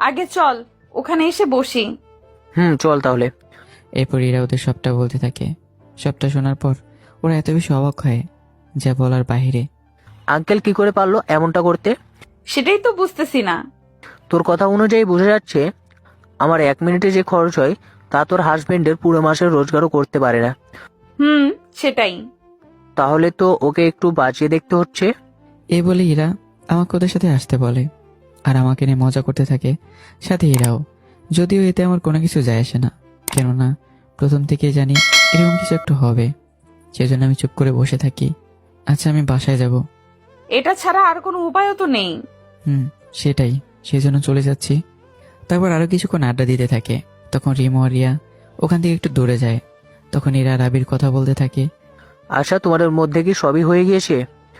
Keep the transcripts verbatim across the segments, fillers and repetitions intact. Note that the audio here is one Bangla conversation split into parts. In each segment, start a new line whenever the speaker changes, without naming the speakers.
আগে চল ওখানে এসে বসি।
হুম চল তাহলে।
এরপর ইরা ওদের সবটা বলতে থাকে। সবটা শোনার পর ওরা এত বেশি অবাক হয় যা বলার বাহিরে।
আঙ্কেল কি করে পারলো এমনটা করতে?
সেটাই তো বুঝতেছি না।
তোর কথা অনুযায়ী বোঝা যাচ্ছে আমার এক মিনিটে যে খরচ হয় তা তোর হাজবেন্ডের পুরো মাসের রোজগারও করতে পারে না।
হুম সেটাই।
তাহলে তো ওকে একটু বাঁচিয়ে দেখতে হচ্ছে।
এই বলে ইরা আমাকে ওদের সাথে আসতে বলে আর আমাকে নিয়ে মজা করতে থাকে, সাথে ইরাও। যদিও এতে আমার কোনো কিছু যায় আসে না, কেননা প্রথম থেকেই জানি এরকম কিছু একটু হবে। সেজন্য আমি চুপ করে বসে থাকি। আচ্ছা আমি বাসায় যাব।
এটা ছাড়া আর কোনো উপায়ও তো নেই।
হুম সেটাই, সেই জন্য চলে যাচ্ছি। তারপর আরো কিছুক্ষণ আড্ডা দিতে থাকে। তখন রিমো আর রিয়া ওখান থেকে একটু দূরে যায়। তখন এরা রাবির কথা বলতে থাকে।
আচ্ছা তোমাদের মধ্যে কি সবই হয়ে গিয়েছে?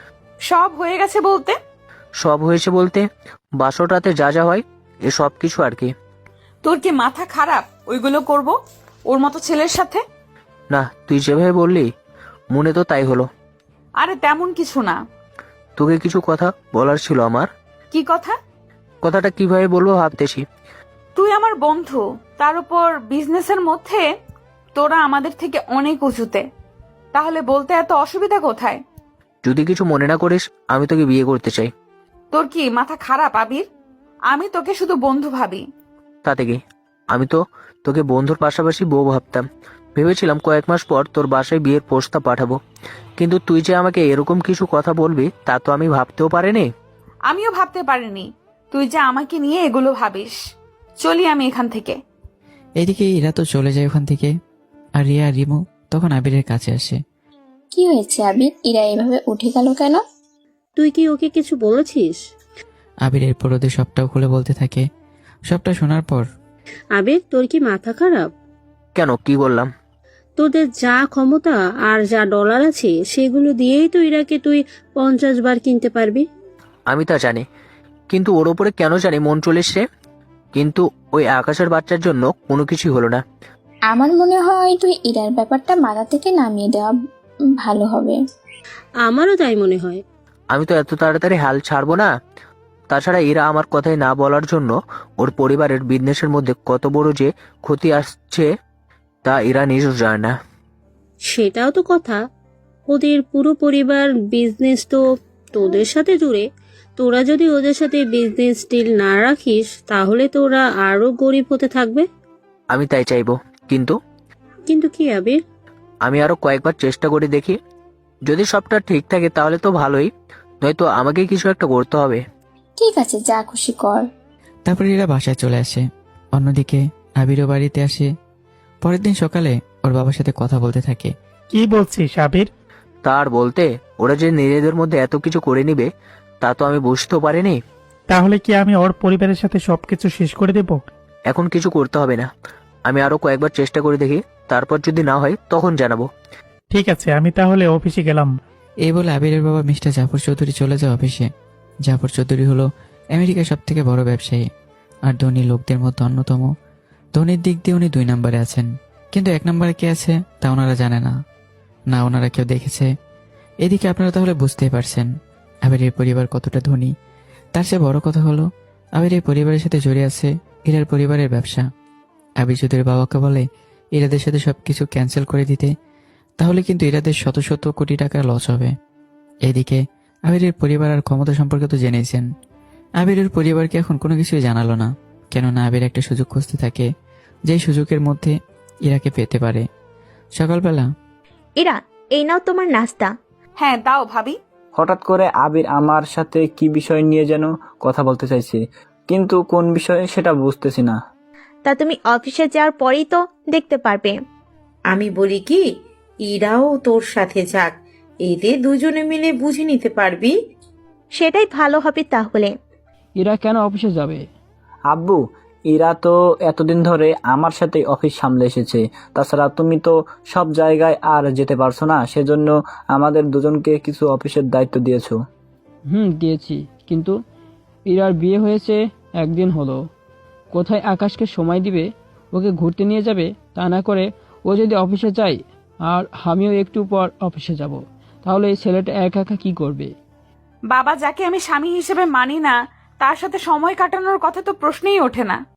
সব হয়ে গেছে বলতে?
সব হয়েছে বলতে বাসর রাতে যা যা হয় এ সব কিছু আর কি।
তোর কি মাথা খারাপ ওইগুলো করব ওর মতো ছেলের সাথে?
না তুই যেভাবে বললি মনে তো তাই হলো।
আরে তেমন কিছু না।
তোকে কিছু কথা বলার ছিল আমার।
কি কথা?
কথাটা কিভাবে বলবো ভাবতেছি।
তুই আমার বন্ধু, তার উপর বিজনেসের মধ্যে তোরা আমাদের থেকে অনেক উঁচুতে, তাহলে বলতে এত অসুবিধা কোথায়?
যদি কিছু মনে না করিস আমি তোকে বিয়ে করতে চাই।
তোর কি মাথা খারাপ আবির? আমি তোকে শুধু বন্ধু ভাবি।
তাতে কি, আমি তো তোকে বন্ধুর পাশাপাশি বউ ভাবতাম। ভেবেছিলাম কয়েক মাস পর তোর বাসায় বিয়ের প্রস্তাব পাঠাবো, কিন্তু তুই যে আমাকে এরকম কিছু কথা বলবি তা তো আমি ভাবতেও পারিনি।
আমিও ভাবতে পারিনি তুই যে আমাকে নিয়ে এগুলো ভাবিস। চলি আমি এখান থেকে।
এদিকে ইরা তো চলে যায় ওখান থেকে। আর রিয়া আর রিমো তখন আবিরের কাছে আসে।
কি হয়েছে আবির, ইরা এভাবে উঠে গেল কেন?
তুই কি ওকে কিছু বলেছিস?
আবির এরপর ওদের সবটাও খুলে বলতে থাকে। সবটা শোনার পর
আবির তোর কি মাথা খারাপ?
কেন, কি বললাম?
তোদের যা ক্ষমতা আর যা ডলার আছে সেগুলো দিয়েই তো ইরাকে তুই পঞ্চাশ বার কিনতে পারবি।
আমি তা জানি, কিন্তু ওর ওপরে কেন জানি মন চলে এসছে। কিন্তু ওই আকাশের বাচ্চার জন্য কোনো কিছুই হলো না।
আমার মনে হয় তুই ইরার ব্যাপারটা মাথা থেকে নামিয়ে দেওয়া ভালো হবে।
আমারও তাই মনে হয়।
আমি তো এত তাড়াতাড়ি হাল ছাড়বো না। তাছাড়া এরা আমার কথাই না বলার জন্য ওর পরিবারের বিজনেসের মধ্যে কত বড় যে ক্ষতি আসছে তা এরা নিজেও জানে না।
সেটাও তো কথা, ওদের পুরো পরিবার বিজনেস তো তোদের সাথে জুড়ে। তোরা যদি ওদের সাথে বিজনেস ডিল না রাখিস তাহলে তোরা আরো গরিব হতে থাকবে।
আমি তাই চাইবো, কিন্তু
কিন্তু কি আবির?
আমি আরো কয়েকবার চেষ্টা করে দেখি। যদি সবটা ঠিক থাকে তাহলে তো ভালোই, নয়তো আমাকে কিছু একটা করতে হবে।
ঠিক আছে, যা খুশি কর।
তারপর এরা বাসায় চলে আসে। অন্যদিকে আবিরও বাড়িতে আসে। পরের দিন সকালে ওর বাবার সাথে কথা বলতে থাকে।
কি বলছিস আবির?
তার বলতে ওরা যে নিজেদের মধ্যে এত কিছু করে নিবে তা তো আমি বুঝতেও পারিনি।
তাহলে কি আমি ওর পরিবারের সাথে সবকিছু শেষ করে দেব?
এখন কিছু করতে হবে না, আমি আরো কয়েকবার চেষ্টা করে দেখি, তারপর যদি না হয় তখন জানাবো।
ঠিক আছে, আমি তাহলে অফিসে গেলাম।
এই বলে আবিরের বাবা মিস্টার জাফর চৌধুরী চলে যায় অফিসে। জাফর চৌধুরী হলো আমেরিকার সব থেকে বড় ব্যবসায়ী আর ধনী লোকদের মধ্যে অন্যতম। ধনীর দিক দিয়ে উনি দুই নম্বরে আছেন, কিন্তু এক নম্বরে কে আছে তা ওনারা জানে না, না ওনারা কেউ দেখেছে। এদিকে আপনারা তাহলে বুঝতেই পারছেন আবিরের পরিবার কতটা ধনী। তার চেয়ে বড় কথা হলো আবিরের পরিবারের সাথে জড়িয়ে আছে ইরার পরিবারের ব্যবসা। আবির যদি ওর বাবাকে বলে ইরাদের সাথে সবকিছু ক্যান্সেল করে দিতে, তাহলে কিন্তু ইরাদের শত শত কোটি টাকা লস হবে। এদিকে আবিরের পরিবার আর ক্ষমতা সম্পর্কে তো জেনেছেন। আবিরের পরিবারকে এখন কোনো কিছুই জানালো না, কেননা আবির একটা সুযোগ খুঁজতে থাকে, যেই সুযোগের মধ্যে ইরাকে পেতে পারে। সকালবেলা
ইরা, এই নাও তোমার নাস্তা।
হ্যাঁ দাও ভাবি।
হঠাৎ করে আবির আমার সাথে কি বিষয় নিয়ে যেন কথা বলতে চাইছে, কিন্তু কোন বিষয়ে সেটা বুঝতেছি না।
তা তুমি অফিসে যাওয়ার পরেই তো দেখতে পারবে।
আমি বলি কি, ইরাও তোর সাথে যাক, এতে দুজনে মিলে বুঝে নিতে পারবি।
সেটাই ভালো হবে তাহলে।
ইরা কেন অফিসে যাবে?
আব্বু, ইরা তো এতদিন ধরে আমার সাথে অফিস সামলে এসেছে। তাছাড়া তুমি তো সব জায়গায় আর যেতে পারছো না, সেজন্য আমাদের দুজনকে কিছু অফিসের দায়িত্ব দিয়েছো।
হুম দিয়েছি, কিন্তু ইরার বিয়ে হয়েছে একদিন হলো, কোথায় আকাশকে সময় দিবে, ওকে ঘুরতে নিয়ে যাবে? তা না করে ও যদি অফিসে যায় আর আমিও একটু পর অফিসে যাব, তাহলে এই ছেলেটা একা একা কি করবে?
বাবা, যাকে আমি স্বামী হিসেবে মানি না তার সাথে সময় কাটানোর কথা তো প্রশ্নই ওঠে না।